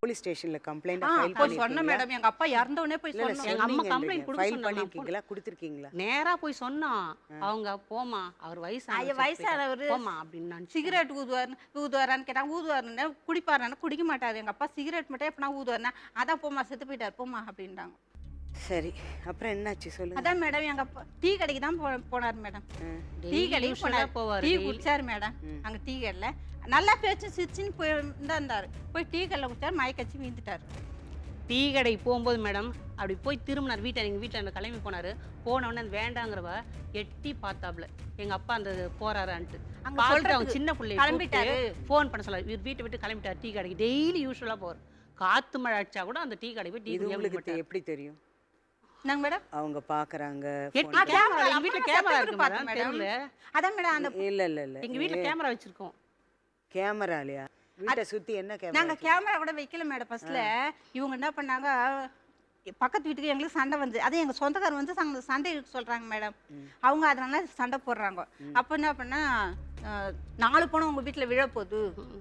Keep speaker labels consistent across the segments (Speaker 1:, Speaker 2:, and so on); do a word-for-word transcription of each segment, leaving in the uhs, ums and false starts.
Speaker 1: Police ஸ்டேஷன்ல complaint
Speaker 2: ஆ,
Speaker 1: file
Speaker 2: போய் சொன்ன
Speaker 1: பண்ணிருக்கீங்களா?
Speaker 2: மேடம் எங்க அப்பா இறந்த உடனே போய்
Speaker 1: இல்ல, இல்ல,
Speaker 2: சொன்னோம்.
Speaker 3: எங்க அம்மா
Speaker 1: சொன்னீங்கன்றீங்க.
Speaker 3: complaint கொடுக்க
Speaker 1: ஃபைல்
Speaker 3: சொன்னாங்க.
Speaker 1: பண்ணிருக்கீங்களா, கொடுத்திருக்கீங்களா?
Speaker 3: நேரா போய் சொன்னோம். அவங்க போமா அவர்
Speaker 2: ஐயா,
Speaker 3: வயசான
Speaker 2: வயசானவரு
Speaker 3: போமா அப்படின்னு
Speaker 2: சிகரெட் ஊதுவார் ஊதுவாரான்னு கேட்டாங்க. ஊதுவாருன்னு குடிப்பாரான்னு குடிக்க மாட்டாரு எங்க அப்பா. சிகரெட் மட்டும் எப்பனா ஊதுவாருன்னா அதான் போமா செத்து போயிட்டார் போமா அப்படின்ட்டாங்க.
Speaker 1: சரி, அப்புறம் என்னாச்சு சொல்லுங்க.
Speaker 2: அதான் மேடம் எங்க அப்பா டீ கடைக்கு தான் போ போனார் மேடம். டீ கடைக்கு போனார்,
Speaker 3: போவார்
Speaker 2: டீ குடிச்சாரு மேடம். அங்க டீ கடையில நல்லா பேச்சு சிரிச்சுன்னு போய் தான் இருந்தாரு. போய் டீ கடையில் குடிச்சாரு, மயக்கச்சி வீந்துட்டாரு.
Speaker 3: டீ கடை போகும்போது மேடம் அப்படி போய் திரும்பினார் வீட்டை எங்கள் வீட்டில் கிளம்பி போனார். போனவுடனே அந்த வேண்டாங்கிறவ எட்டி பார்த்தாப்புல எங்கள் அப்பா அந்த போறாரான்ட்டு
Speaker 2: அங்க
Speaker 3: பார்த்துட்டு
Speaker 2: சொல்றதுக்கு
Speaker 3: அவங்க சின்ன பிள்ளை
Speaker 2: கிளம்பிட்டாரு.
Speaker 3: ஃபோன் பண்ண சொல்ல இவர் வீட்டை விட்டு கிளம்பிட்டார். டீ கடைக்கு டெய்லி யூஸ்வலாக போவார். காற்று மழை அடிச்சா கூட அந்த டீ கடை போய் டீ
Speaker 1: இது உங்களுக்கு
Speaker 3: குடிக்க
Speaker 1: எப்படி தெரியும்?
Speaker 2: நாங்க மேடம்
Speaker 1: அவங்க பாக்குறாங்க.
Speaker 3: எட்டி கேமரா எங்கள் வீட்டில் கேமரா இருக்கு மேடம் தெருவில்.
Speaker 2: அதான் மேடம் அந்த
Speaker 1: இல்ல இல்ல இல்ல,
Speaker 3: எங்கள் வீட்டில் கேமரா வச்சுருக்கோம்.
Speaker 1: கேமராலையா? வீட்டை சுத்தி என்ன கேமரா?
Speaker 2: நாங்க கேமரா கூட வைக்கல மேடம். ஃபர்ஸ்ட்ல இவங்க என்ன பண்ணாங்க, பக்கத்து வீட்டுக்கு எங்களுக்கு சண்டை வந்து அதே எங்க சொந்தக்காரர் வந்து சங்க சண்டை சொல்றாங்க மேடம். அவங்க அதனால சண்டை போடுறாங்க. அப்போ என்ன பண்ணா, அஹ், நாலு பணம் உங்க வீட்டுல விழ போகுது.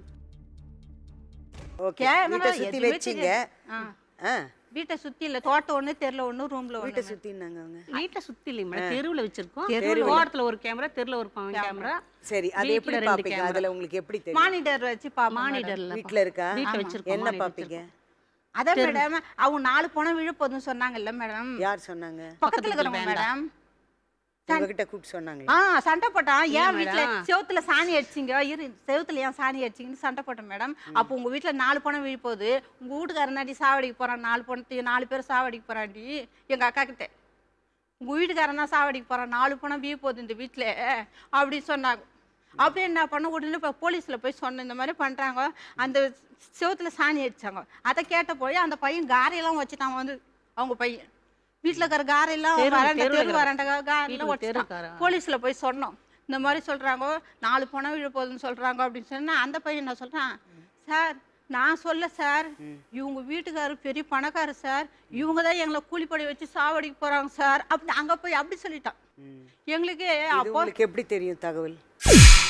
Speaker 1: ஓகே,
Speaker 2: கேமரா
Speaker 1: வீட்டை சுத்தி
Speaker 2: எதுவுமே
Speaker 1: வெச்சீங்க.
Speaker 2: தெரியாது.
Speaker 1: ஆ,
Speaker 2: வீட்டை சுத்தி இல்ல, தோட்டம் ஒண்ணு, தெருல ஒண்ணு, ரூம்ல
Speaker 1: வீட்டை
Speaker 2: ஒண்ணு.
Speaker 1: சுத்தினாங்க அவங்க.
Speaker 3: வீட்டில் சுற்றி இல்லைங்க மேடம், தெருவில் வச்சுருக்கோம்.
Speaker 2: தெருவுல.
Speaker 3: தோட்டத்தில் ஒரு கேமரா, தெருவில் ஒரு கேமரா.
Speaker 1: சரி, அது
Speaker 3: வீட்ல
Speaker 1: எப்படி
Speaker 3: ரெண்டு
Speaker 1: பாப்பீங்க?
Speaker 3: camera.
Speaker 1: அதுல உங்களுக்கு எப்படி தெரியும்?
Speaker 2: மானிட்டர் வச்சு பா
Speaker 3: மானிட்டர்ல
Speaker 1: வீட்ல இருக்கா?
Speaker 3: வீட்டில் வச்சிருக்கோம்.
Speaker 1: என்ன பாப்பீங்க?
Speaker 2: அதான் மேடம் அவங்க நாலு பணம் விழ போகுதுன்னு சொன்னாங்கல்ல மேடம்.
Speaker 1: யார் சொன்னாங்க?
Speaker 2: பக்கத்துல இருக்கிறவங்க மேடம்.
Speaker 1: உங்ககிட்ட கூப்பிட்டு சொன்னாங்க?
Speaker 2: ஆ, சண்டை போட்டான். ஏன்
Speaker 3: ஏன்
Speaker 2: வீட்டுல
Speaker 3: மேடம்?
Speaker 2: செவுத்துல சாணி அடிச்சிங்க, இரு செவுத்துல ஏன் சாணி அடிச்சிங்கன்னு சண்டை போட்டேன் மேடம். அப்போ உங்க வீட்டுல நாலு பணம் விழ போகுது, உங்க வீட்டுக்காரனாடி சாவடிக்கு போறான், நாலு பணத்தையும் நாலு பேர் சாவடிக்கு போறாண்டி எங்க அக்கா கிட்ட. உங்க வீட்டுக்காரன் தான் சாவடிக்கு போறான், நாலு பணம் வீ போகுது இந்த வீட்டுல அப்படி சொன்னாங்க. அப்படியே என்ன பண்ண, உடனே இப்போ போலீஸில் போய் சொன்னேன் இந்த மாதிரி பண்ணுறாங்க. அந்த செவுத்துல சாணி அடிச்சாங்க. அதை கேட்ட போய் அந்த பையன் காரையெல்லாம் வச்சுட்டான் வந்து, அவங்க பையன் வீட்டில் இருக்கிற காரையெல்லாம்
Speaker 3: தெரு-
Speaker 2: வராண்ட
Speaker 3: தெருவுல
Speaker 2: தெரு
Speaker 3: இருக்கிற
Speaker 2: வராண்ட காரெல்லாம்
Speaker 3: வீட்டுக்கு
Speaker 2: வச்சுட்டான்.
Speaker 3: தெருக்காரா?
Speaker 2: போலீஸில் போய் சொன்னோம் இந்த மாதிரி சொல்கிறாங்க, நாலு பணம் விழ போகுதுன்னு சொல்கிறாங்க அப்படின்னு சொன்னா அந்த பையன் என்ன சொல்கிறான், சார் நான் சொல்ல சார், இவங்க வீட்டுக்காரர் பெரிய பணக்காரர் சார், இவங்க தான் எங்களை கூலிப்படை வச்சு சாவடிக்கு போகிறாங்க சார் அப்படி அங்கே போய் அப்படி சொல்லிட்டான். எங்களுக்கு
Speaker 1: இது
Speaker 2: அப்போ
Speaker 1: உங்களுக்கு எப்படி தெரியும் தகவல்?